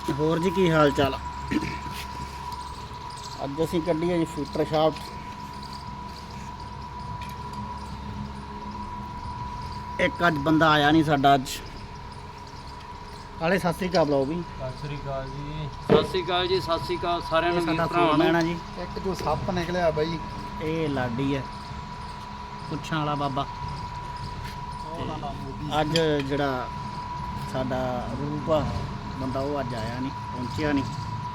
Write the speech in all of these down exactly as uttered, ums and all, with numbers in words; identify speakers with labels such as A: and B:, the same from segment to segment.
A: ਹੋਰ ਜੀ ਕੀ ਹਾਲ ਚਾਲ? ਅੱਜ ਅਸੀਂ ਕੱਢੀ ਹੈ ਜੀ ਫੀਟਰ ਸ਼ਾਫਟ। ਇੱਕ ਅੱਜ ਬੰਦਾ ਆਇਆ ਨਹੀਂ ਸਾਡਾ ਅੱਜ। ਕਾਲੇ ਸਤਿ ਸ੍ਰੀ ਅਕਾਲ ਬੁਲਾਓ ਵੀ।
B: ਸਤਿ ਸ੍ਰੀ ਅਕਾਲ ਜੀ। ਸਤਿ ਸ੍ਰੀ ਅਕਾਲ ਜੀ। ਸਤਿ ਸ੍ਰੀ ਅਕਾਲ ਸਾਰਿਆਂ ਨੂੰ,
A: ਸਾਡਾ
B: ਭਰਾਵਾਂ ਨੂੰ।
A: ਮੈਣਾ ਜੀ।
C: ਇੱਕ ਜੋ ਸੱਪ ਨਿਕਲਿਆ ਬਾਈ,
A: ਇਹ ਲਾਡੀ ਹੈ, ਪੁੱਛਾਂ ਵਾਲਾ ਬਾਬਾ। ਅੱਜ ਜਿਹੜਾ ਸਾਡਾ ਰੂਪ ਆ ਬੰਦਾ, ਉਹ ਅੱਜ ਆਇਆ ਨਹੀਂ, ਪਹੁੰਚਿਆ ਨਹੀਂ।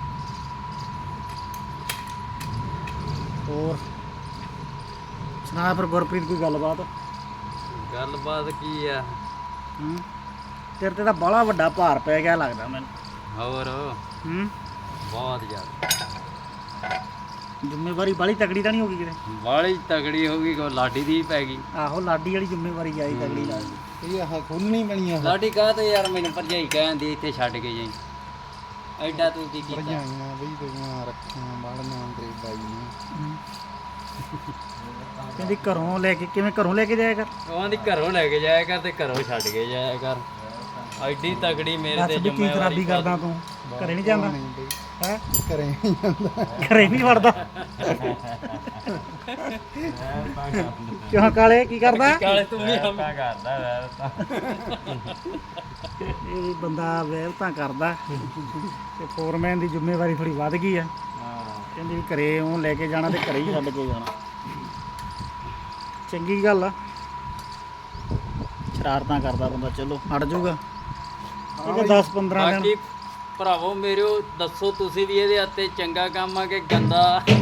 A: ਹੋਰ ਸੁਣਾ ਫਿਰ ਗੁਰਪ੍ਰੀਤ, ਕੋਈ ਗੱਲਬਾਤ?
B: ਗੱਲਬਾਤ ਕੀ ਆ?
A: ਹੂੰ ਤੇਰੇ ਤੇ ਤਾਂ ਬਾਹਲਾ ਵੱਡਾ ਭਾਰ ਪੈ ਗਿਆ ਲੱਗਦਾ ਮੈਨੂੰ।
B: ਹੋਰ
A: ਹੂੰ
B: ਬਹੁਤ ਜ਼ਿਆਦਾ
A: ਜ਼ਿੰਮੇਵਾਰੀ ਬਾਹਲੀ ਤਗੜੀ ਤਾਂ ਨਹੀਂ ਹੋ ਗਈ ਕਿਤੇ?
B: ਬਾਹਲੀ ਤਗੜੀ ਹੋ ਗਈ, ਕੋ ਲਾਡੀ ਦੀ ਪੈ ਗਈ।
A: ਆਹੋ ਲਾਡੀ ਵਾਲੀ ਜ਼ਿੰਮੇਵਾਰੀ ਆਈ ਤਗੜੀ ਲੱਗਦੀ।
C: ਇਹ ਆਹ ਖੋਲਣੀ ਪੈਣੀ ਆ।
B: ਲਾਡੀ ਕਹਾ ਤੇ ਯਾਰ ਮੈਨੂੰ ਭਰਜਾਈ ਕਹਿੰਦੀ ਇੱਥੇ ਛੱਡ ਕੇ ਜਾਈ। ਐਡਾ ਤੂੰ ਕੀ ਕੀਤਾ?
C: ਭਰਜਾਈਆਂ ਬਈ ਤੇਰੀਆਂ ਰੱਖੀਆਂ ਬਾੜੀਆਂ ਤੇਰੇ ਬਾਈ ਨੇ।
A: ਕਹਿੰਦੀ ਘਰੋਂ ਲੈ ਕੇ, ਕਿਵੇਂ ਘਰੋਂ ਲੈ ਕੇ ਜਾਇਆ ਕਰ?
B: ਉਹਨਾਂ ਦੀ ਘਰੋਂ ਲੈ ਕੇ ਜਾਇਆ ਕਰ ਤੇ ਘਰੋਂ ਛੱਡ ਕੇ ਜਾਇਆ ਕਰ। ਐਡੀ ਤਗੜੀ ਮੇਰੇ
A: ਦੱਸ
B: ਤੇ
A: ਵੀ ਕੀ ਖਰਾਬੀ ਕਰਦਾ ਤੂੰ? ਘਰੇ ਨਹੀਂ ਜਾਂਦਾ
C: ਨਹੀਂ ਬਈ,
A: ਹੈ?
C: ਘਰੇ ਨਹੀਂ ਜਾਂਦਾ।
A: ਘਰੇ ਨਹੀਂ ਵੜਦਾ ਕਿਉਂ? ਕਾਲੇ ਕੀ ਕਰਦਾ?
B: ਕਾਲੇ ਤੂੰ ਵੀ ਹਮਾ ਕਰਦਾ ਵੈਰ ਤਾਂ।
A: ਇਹ ਬੰਦਾ ਵਹਿਲਤਾਂ ਕਰਦਾ ਤੇ ਫੋਰਮੈਨ ਦੀ ਜ਼ਿੰਮੇਵਾਰੀ ਥੋੜੀ ਵੱਧ ਗਈ ਆ।
B: ਹਾਂ
A: ਕਹਿੰਦੀ ਵੀ ਘਰੇ ਉਹ ਲੈ ਕੇ ਜਾਣਾ ਤੇ ਘਰੇ ਹੀ ਛੱਡ ਕੇ ਜਾਣਾ। ਚੰਗੀ ਗੱਲ ਆ, ਸ਼ਰਾਰਤਾਂ ਕਰਦਾ ਬੰਦਾ, ਚਲੋ ਹਟ ਜਾਊਗਾ। ਇਹ ਦਸ ਪੰਦਰਾਂ ਦਿਨ।
B: ਬਾਕੀ ਭਰਾਵੋ ਮੇਰਿਓ, ਦੱਸੋ ਤੁਸੀਂ ਵੀ ਇਹਦੇ ਹੱਥੇ ਚੰਗਾ ਕੰਮ ਆ ਕਿ ਗੰਦਾ?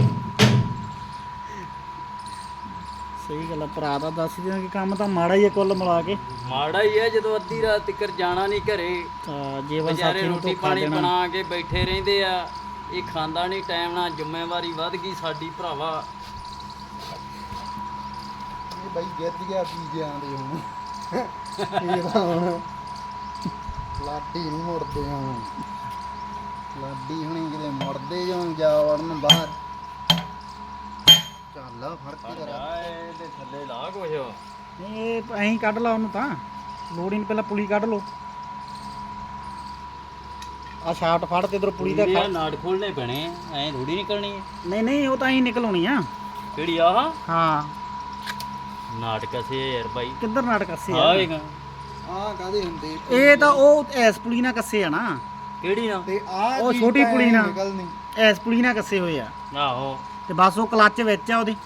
A: ਸਹੀ ਗੱਲ ਆ ਭਰਾ ਦਾ, ਦੱਸ ਦਿਆਂ ਕਿ ਕੰਮ ਤਾਂ ਮਾੜਾ ਹੀ ਹੈ ਕੁੱਲ ਮਿਲਾ ਕੇ।
B: ਮਾੜਾ ਹੀ ਹੈ ਜਦੋਂ ਅੱਧੀ ਰਾਤ ਤੱਕ ਜਾਣਾ ਨਹੀਂ ਘਰੇ।
A: ਤਾਂ ਜੀਵਨ
B: ਵਿਚਾਰੇ
A: ਸਾਥੀ ਨੂੰ
B: ਰੋਟੀ
A: ਧੋਖਾ
B: ਪਾਣੀ
A: ਦੇਣਾ।
B: ਬਣਾ ਕੇ ਬੈਠੇ ਰਹਿੰਦੇ ਆ, ਇਹ ਖਾਂਦਾ ਨਹੀਂ ਟਾਈਮ ਨਾਲ। ਜ਼ਿੰਮੇਵਾਰੀ ਵੱਧ ਗਈ ਸਾਡੀ ਭਰਾਵਾ।
C: ਇਹ ਬਾਈ ਗਿੱਜ ਗਿਆ ਪੀਜਿਆਂ ਦੇ ਹੁਣ। ਇਹ ਤਾਂ ਹੁਣ ਲਾਡੀ ਨਹੀਂ ਮੁੜਦੇ ਹੁਣ। ਲਾਡੀ ਹੁਣੀ ਕਿਤੇ ਮੁੜਦੇ ਜਾਂ ਜਾ ਵੜਨ ਬਾਹਰ। ਚੱਲ ਫੜ ਕੇ ਕਰਾ।
B: ਇਹਦੇ ਥੱਲੇ ਲਾ ਕੁਛ।
A: ਨਹੀਂ ਇਹ ਐਂ ਕੱਢ ਲਾ ਉਹਨੂੰ, ਤਾਂ ਲੋੜ ਹੀ ਨਹੀਂ, ਪਹਿਲਾਂ ਪੁਲੀ ਕੱਢ ਲਓ। ਆ ਸ਼ਾਫਟ ਫੜ ਤੇ ਇਧਰ ਪੁਲੀ ਦਾ
B: ਇਹ ਨਾੜ ਖੋਲਣੇ ਪੈਣੇ, ਐਂ ਥੋੜੀ ਨਿਕਲਣੀ ਹੈ।
A: ਨਹੀਂ ਨਹੀਂ ਉਹ ਤਾਂ ਐਂ ਨਿਕਲਾਉਣੀ ਆ।
B: ਕਿਹੜੀ ਆਹ
A: ਹਾਂ
B: ਨਾਟਕ ਸੇ ਯਾਰ ਬਾਈ।
A: ਕਿੱਧਰ ਨਾਟਕ ਕੱਸੇ ਆ?
B: ਆਵੇਗਾ
C: ਆਹ ਕਾਦੇ ਹੁੰਦੇ?
A: ਇਹ ਤਾਂ ਉਹ ਐਸ ਪੁਲੀ ਨਾਲ ਕੱਸੇ ਆ ਨਾ।
B: ਕਿਹੜੀ ਨਾ?
C: ਤੇ ਆਹ
A: ਉਹ
C: ਚੀਜ਼
A: ਛੋਟੀ
C: ਤਾਂ
A: ਪੁਲੀ ਨਾਲ।
C: ਨਿਕਲਣੀ।
A: ਐਸ ਪੁਲੀ ਨਾਲ ਕੱਸੇ ਹੋਏ ਆ
B: ਆਹੋ
A: ਤੇ ਬਸ ਉਹ ਕਲੱਚ ਵਿੱਚ ਆ ਉਹਦੀ।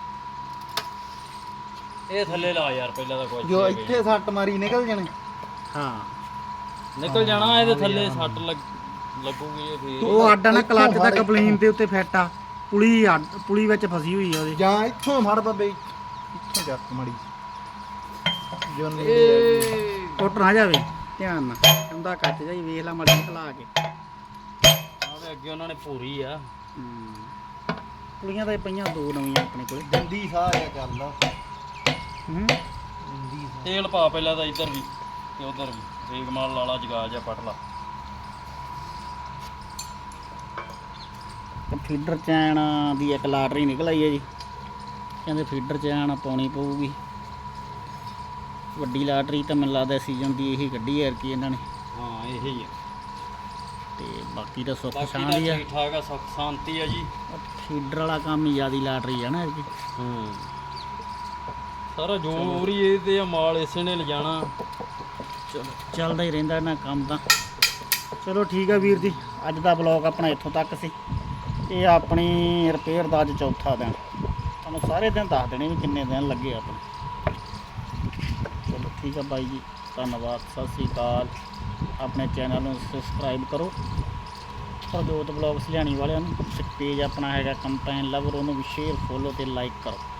B: ਇਹ ਥੱਲੇ ਲਾ ਯਾਰ ਪਹਿਲਾਂ ਤਾਂ ਕੁਛ
C: ਜੋ ਇੱਥੇ ਸੱਟ ਮਾਰੀ ਨਿਕਲ ਜਾਣੇ।
A: ਹਾਂ
B: ਨਿਕਲ ਜਾਣਾ। ਇਹਦੇ ਥੱਲੇ ਸੱਟ ਲੱਗ ਲੱਗੂਗੀ ਇਹ ਫੇਰ।
A: ਉਹ ਅੱਡ ਆ ਨਾ, ਕਲੱਚ ਦਾ ਕਪਲੀਨ ਦੇ ਉੱਤੇ ਫਿੱਟ ਆ। ਪੁਲੀ ਅੱਡ, ਪੁਲੀ ਵਿੱਚ ਫਸੀ ਹੋਈ ਆ ਉਹਦੀ।
C: ਜਾਂ ਇੱਥੋਂ ਫੜ ਬੱਬੇ, ਇੱਥੋਂ ਚੱਕ ਮੜੀ ਜੋ ਨਹੀਂ
B: ਇਹ
A: ਟੁੱਟ ਨਾ ਜਾਵੇ, ਧਿਆਨ ਨਾਲ। ਕਹਿੰਦਾ ਕੱਚ ਜਾਈ, ਵੇਖ ਲੈ ਮੜੀ ਖਲਾ ਕੇ।
B: ਆਵੇ ਅੱਗੇ ਉਹਨਾਂ ਨੇ ਪੂਰੀ ਆ।
A: ਹੂੰ। ਪੁਲੀਆਂ ਤਾਂ ਇਹ ਪਈਆਂ ਦੋ ਨਵੀਆਂ ਆਪਣੇ ਕੋਲੇ।
C: ਦੰਦੀ ਸਾਹ ਆ ਚੱਲਦਾ।
A: ਹੂੰ
C: ਦੰਦੀ
B: ਤੇਲ ਪਾ ਪਹਿਲਾਂ ਤਾਂ ਇੱਧਰ ਵੀ ਤੇ ਉੱਧਰ ਵੀ। ਰੇਗ ਮਾਲ ਲਾਲਾ ਜਗਾ ਜਾ ਪਟ ਲਾ।
A: ਫੀਡਰ ਚੈਨ ਦੀ ਇੱਕ ਲਾਟਰੀ ਨਿਕਲ ਆਈ ਹੈ ਜੀ। ਕਹਿੰਦੇ ਫੀਡਰ ਚੈਨ ਪਾਉਣੀ ਪਊਗੀ। ਵੱਡੀ ਲਾਟਰੀ ਤਾਂ ਮੈਨੂੰ ਲੱਗਦਾ ਸੀਜ਼ਨ ਦੀ ਇਹੀ ਕੱਢੀ ਹੈ ਕਿ ਇਹਨਾਂ ਨੇ।
B: ਹਾਂ ਇਹ ਹੀ ਆ।
A: ਤੇ ਬਾਕੀ ਤਾਂ ਸੁੱਖ
B: ਬਾਕੀ ਤਾਂ
A: ਸ਼ਾਂਤੀ ਆ।
B: ਠੀਕ ਠਾਕ ਆ, ਸੁੱਖ ਸ਼ਾਂਤੀ ਆ ਜੀ।
A: ਫੀਡਰ ਵਾਲਾ ਕੰਮ ਹੀ ਜ਼ਿਆਦੀ ਲਾਟਰੀ ਆ ਨਾ ਇਹਦੀ।
B: ਹੂੰ ਸਾਰਾ ਜੋਰ ਹੀ ਇਹ ਤੇ ਆ, ਮਾਲ ਇਸੇ ਨੇ ਲਿਜਾਣਾ।
A: ਚਲੋ ਚੱਲਦਾ ਹੀ ਰਹਿੰਦਾ ਇਹਨਾਂ ਕੰਮ ਤਾਂ। ਚਲੋ ਠੀਕ ਆ ਵੀਰ ਜੀ, ਅੱਜ ਦਾ ਬਲੌਗ ਆਪਣਾ ਇੱਥੋਂ ਤੱਕ ਸੀ। ਇਹ ਆਪਣੀ ਰਿਪੇਅਰ ਦਾ ਅੱਜ ਚੌਥਾ ਦਿਨ। ਤੁਹਾਨੂੰ ਸਾਰੇ ਦਿਨ ਦੱਸ ਦੇਣੇ ਵੀ ਕਿੰਨੇ ਦਿਨ ਲੱਗੇ ਆਪਣੇ। ਚਲੋ ਠੀਕ ਆ ਬਾਈ ਜੀ, ਧੰਨਵਾਦ, ਸਤਿ ਸ਼੍ਰੀ ਅਕਾਲ। ਆਪਣੇ ਚੈਨਲ ਨੂੰ ਸਬਸਕ੍ਰਾਈਬ ਕਰੋ। ਪ੍ਰਜੋਤ ਬਲੌਗ ਸਲਿਆਣੀ ਵਾਲਿਆਂ ਨੂੰ। ਤੇ ਪੇਜ ਆਪਣਾ ਹੈਗਾ ਕੰਪੈਨ ਲਵਰ, ਉਹਨੂੰ ਵੀ ਸ਼ੇਅਰ, ਫੋਲੋ ਤੇ ਲਾਈਕ ਕਰੋ।